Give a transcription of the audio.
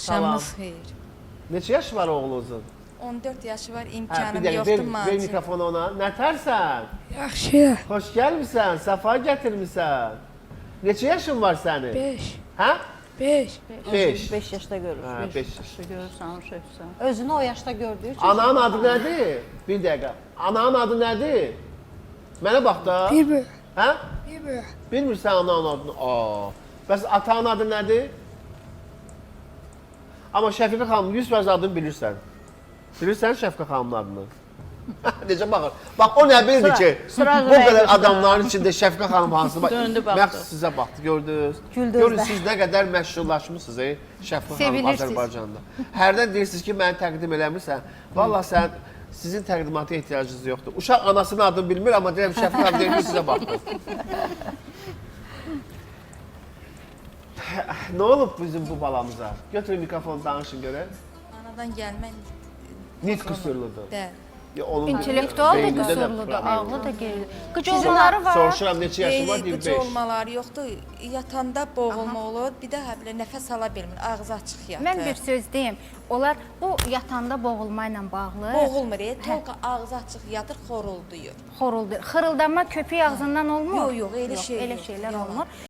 Axşamınız xeyir. Neçə yaş var oğlunuzun? 14 yaşı var, Bir imkanım dəqiqə, yoxdur ver macir. mikrofonu ona. Nətərsən? Yaxşı. Xoş gəlmisən, səfa gətirmisən. Neçə yaşın var sənin? 5. Hə? 5. 5. 5 yaşda görür. Hə, 5 yaş. Görürsən, şefsən. Özünü o yaşda gördüyü üçün. Ananın adı nədir? Bir dəqiqə. Ananın adı nədir? Mənə bax da. Bir. Hə? Bir. Bilmirsən ananın adını? Aa. Bəs atanın adı nədir? Amma Şəfiqə xanım 100% adını bilirsən. Bilirsən Şəfiqə xanımın adını? Necə baxır? Bax o nə bildi ki, bu qədər adamların içində Şəfiqə xanım hansı bax. Döndü baxdı. Məqs sizə baxdı, gördünüz. Güldü Görün özdə. siz nə qədər məşhurlaşmısınız Şəfiqə xanım Sevilirsiniz. Azərbaycanda. Hərdən deyirsiniz ki, məni təqdim eləmirsən. Vallahi sən sizin təqdimata ehtiyacınız yoxdur. Uşaq anasının adını bilmir, amma deyirəm Şəfiqə xanım deyir ki, sizə baxdı. Nə olub bizim bu balamıza? Götürün mikrofonu danışın görək. Anadan gəlmən Nit qüsurludur. də. Onun İntellektual da beynində də qüsurludur, problem ağlı da gerilir. Qıc Sizin olmaları var. Soruşuram neçə yaşın var? Qeyri 25. qıcı olmaları yoxdur. Yatanda boğulma olur, bir də həblə nəfəs ala bilmir, ağzı açıq yatır. Mən bir söz deyim. Onlar bu yatanda boğulma ilə bağlı Boğulmur, tolqa ağzı açıq yatır, xorulduyur. xoruldur. Xırıldanma köpük ağzından olmur. Yox, elə şey Elə yox, şeylər yalan. olmur.